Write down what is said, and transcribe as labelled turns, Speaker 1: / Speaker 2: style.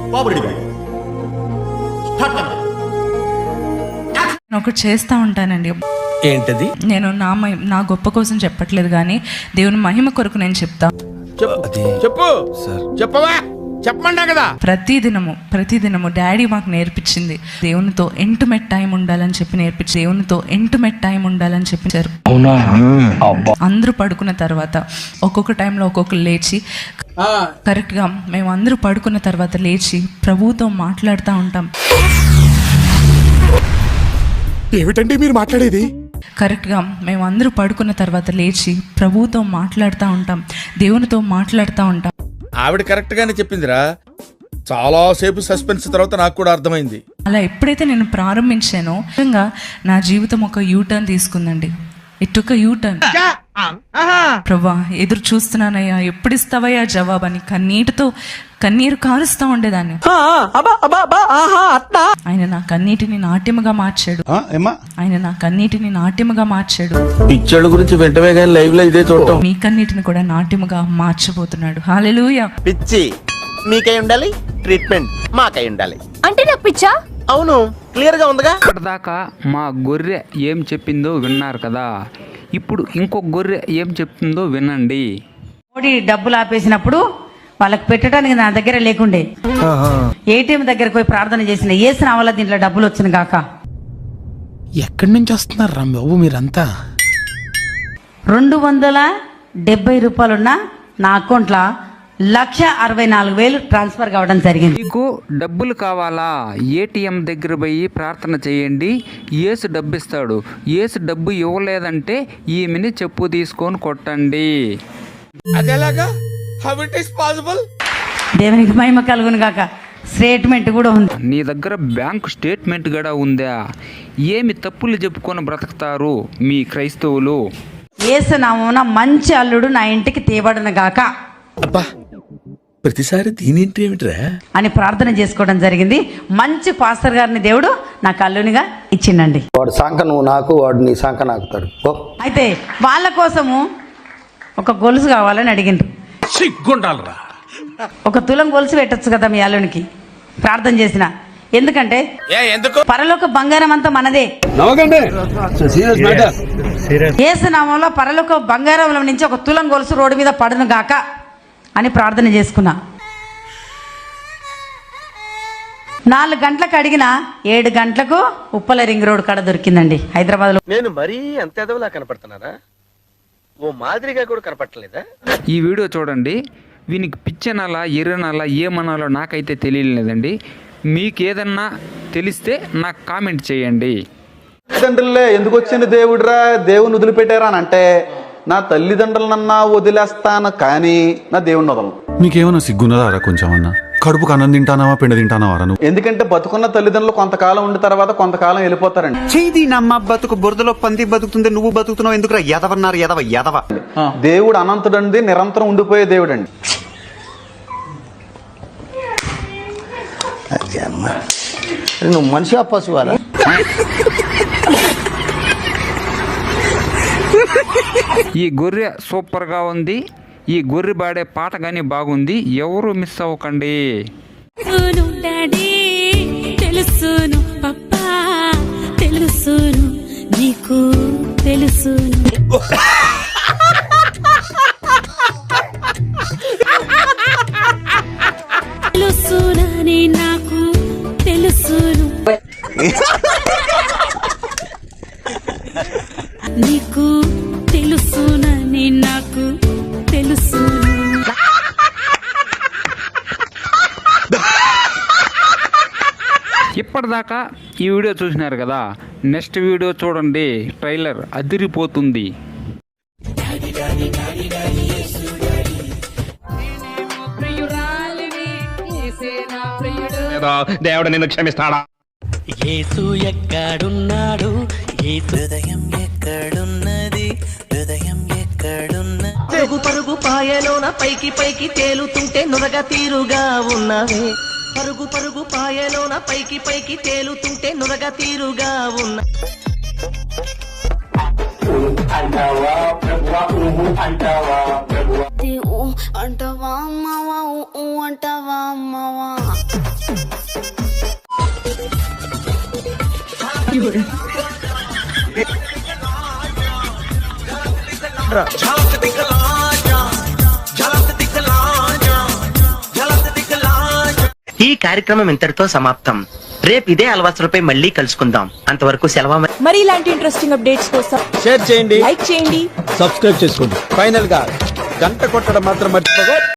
Speaker 1: ఒకటి చేస్తూ ఉంటానండి.
Speaker 2: ఏంటది?
Speaker 1: నేను నా గొప్ప కోసం చెప్పట్లేదు, కానీ దేవుని మహిమ కొరకు నేను చెప్తా.
Speaker 2: చెప్పు చెప్పవా, చెప్పమంటా కదా.
Speaker 1: ప్రతిదినము డాడీ మాకు నేర్పించింది దేవునితో ఇంటిమేట్ టైం ఉండాలని చెప్పి చెప్పించారు. అందరూ పడుకున్న తర్వాత ఒక్కొక్క టైంలో ఒక్కొక్కరు లేచి కరెక్ట్గా మేము అందరూ పడుకున్న తర్వాత లేచి ప్రభువుతో మాట్లాడుతూ ఉంటాం.
Speaker 3: ఏమిటండి మీరు మాట్లాడేది?
Speaker 1: కరెక్ట్గా మేము అందరూ పడుకున్న తర్వాత లేచి ప్రభువుతో మాట్లాడుతూ ఉంటాం, దేవునితో మాట్లాడుతూ ఉంటాం.
Speaker 2: ఆవిడ కరెక్ట్ గానే చెప్పిందిరా. చాలా సేపు సస్పెన్స్ తర్వాత నాకు కూడా అర్థమైంది.
Speaker 1: అలా ఎప్పుడైతే నేను ప్రారంభించానో నిజంగా నా జీవితం ఒక యూటర్న్ తీసుకుందండి. ఇట్ ఒక యూటర్న్. ప్రభా ఎదురు చూస్తున్నానయ్యా, ఎప్పుడు ఇస్తావయ్యా జవాబని కన్నీరు కారుస్తూ ఉండేదాన్ని. ఆయన నా కన్నీటిని నాట్యముగా మార్చాడు.
Speaker 2: పిచ్చోళ్ళ గురించి వెంటనే కానీ లైవ్ లో ఇదే చూడటం.
Speaker 1: మీ కన్నీటిని కూడా నాట్యముగా మార్చబోతున్నాడు. హల్లెలూయా.
Speaker 4: పిచ్చి మీకై ఉండాలి, ట్రీట్మెంట్ మాకై ఉండాలి.
Speaker 5: అంటే నాకు పిచ్చా?
Speaker 4: అవును, క్లియర్ గా ఉందిగా.
Speaker 6: ఇప్పటిదాకా మా గొర్రె ఏం చెప్పిందో విన్నారు కదా, ఇప్పుడు ఇంకొక గొర్రె ఏం చెప్తుందో వినండి.
Speaker 7: మోడీ డబ్బులు ఆపేసినప్పుడు వాళ్ళకి పెట్టడానికి నా దగ్గర లేకుండే, ఏటీఎం దగ్గరకు పోయి ప్రార్థన చేసిన, ఏసిన వల్ల దీంట్లో డబ్బులు వచ్చిన గాక.
Speaker 3: ఎక్కడి నుంచి వస్తున్నారు రా బాబు మీరంతా?
Speaker 7: 270 రూపాయలున్న నా అకౌంట్లో 1,64,000 ట్రాన్స్ఫర్ కావడం జరిగింది.
Speaker 6: మీకు డబ్బులు కావాలా? ఏటీఎం దగ్గర పోయి ప్రార్థన చేయండి, యేసు డబ్బు ఇస్తాడు. యేసు డబ్బు ఇవ్వలేదంటే ఈమెని చెప్పు తీసుకొని కొట్టండి.
Speaker 2: అదేలాగా? How it is possible?
Speaker 7: దేవునికి మహిమ కలుగును గాక. స్టేట్మెంట్ కూడా ఉంది.
Speaker 6: నీ దగ్గర బ్యాంకు స్టేట్మెంట్ కూడా ఉందా? ఏమి తప్పులు చెప్పుకొని బ్రతుకుతారు మీ క్రైస్తవులు?
Speaker 7: యేసు నామమున మంచి అల్లుడు నా ఇంటికి తేబడిన గాక.
Speaker 2: అబ్బా, ప్రతిసారి దీనింటి ఏమిట్రా
Speaker 7: అని ప్రార్థన చేసుకోవడం జరిగింది. మంచి పాస్టర్ గారిని దేవుడు నాకు అల్లునిగా ఇచ్చిండండి.
Speaker 4: వాడు సాంక నువ్వు నాకు, వాడు నీ సాంక నాకుతాడు.
Speaker 7: అయితే వాళ్ళ కోసము ఒక గొలుసు కావాలని అడిగిండ్రు.
Speaker 3: సిగ్గుండాలరా.
Speaker 7: 1 తులం గొలుసు పెట్టచ్చు కదా మీ అల్లునికి ప్రార్థన చేసిన. ఎందుకంటే పరలోక బంగారం అంతా మనదే. యేసు నామంలో పరలోక బంగారంలో నుంచి 1 తులం గొలుసు రోడ్డు మీద పడును గాక అని ప్రార్థన చేసుకున్నా. 4 గంటలకు అడిగిన 7 గంటలకు ఉప్పల రింగ్ రోడ్ కాడ దొరికిందండి హైదరాబాద్లో.
Speaker 4: నేను మరీ అంత ఎదవలా కనపడుతున్నారా? ఓ మాదిరిగా కూడా కనపడలేదా?
Speaker 6: ఈ వీడియో చూడండి. వీనికి పిచ్చనాలా ఎర్రనాలా ఏమనాలో నాకైతే తెలియలేదండి. మీకు ఏదన్నా తెలిస్తే నాకు కామెంట్ చేయండి.
Speaker 8: తల్లిదండ్రులే ఎందుకు వచ్చిన దేవుడురా, దేవుని వదిలిపెట్టారా అని అంటే, నా తల్లిదండ్రులనన్నా వదిలేస్తాను కానీ నా దేవుని వదలను.
Speaker 3: నీకేమన్నా సిగ్గున్నదారా కొంచెం అన్నా? కడుపుకు అన్నం తింటానావా పిండ తింటానావా నువ్వు?
Speaker 8: ఎందుకంటే బతుకున్న తల్లిదండ్రులు కొంతకాలం ఉండిన తర్వాత కొంతకాలం వెళ్ళిపోతారండి.
Speaker 9: చేది నమ్మ బతుకు బురదలో పంది బతుకుతుంది, నువ్వు బతుకుతున్నావు ఎందుకురా? ఎదవన్నారు ఎదవ.
Speaker 8: దేవుడు అనంతుడండి, నిరంతరం ఉండిపోయే దేవుడు అండి.
Speaker 4: నువ్వు మనిషి పశువారా?
Speaker 6: ఈ గొర్రె సూపర్గా ఉంది. ఈ గొర్రె పాడే పాట కానీ బాగుంది. ఎవరు మిస్ అవ్వకండి.
Speaker 5: తెలుసును పప్పా, తెలుసును నీకు తెలుసును. తెలుసునని నాకు తెలుసును, నీకు తెలుసునని నాకు తెలుసును.
Speaker 6: ఇప్పటిదాకా ఈ వీడియో చూసినారు కదా, నెక్స్ట్ వీడియో చూడండి. ట్రైలర్ అదిరిపోతుంది.
Speaker 2: దేవుడు నిన్ను క్షమిస్తాడా?
Speaker 10: యేసు ఎక్కడున్నాడు? హృదయం ఎక్కడున్నది? హృదయం ఎక్కడున్నది? పరుగు పాయలోన పైకి పైకి తేలుతుంటే నురగ తీరుగా ఉన్నవే. పరుగు పాయలోన పైకి పైకి తేలుతుంటే నురగ తీరుగా ఉన్న.
Speaker 5: అంటావా అమ్మవా, అంటావా అమ్మవా.
Speaker 10: ఈ కార్యక్రమం ఇంతటితో సమాప్తం. రేపు ఇదే అలవాసులపై మళ్ళీ కలుసుకుందాం. అంతవరకు సెలవు.
Speaker 5: మరి ఇలాంటి ఇంట్రెస్టింగ్ అప్డేట్స్ కోసం
Speaker 4: షేర్ చేయండి,
Speaker 5: లైక్ చేయండి.
Speaker 4: సబ్స్క్రైబ్ చేసుకోండి. ఫైనల్ గా గంట కొట్టడం మాత్రం మర్చిపోగా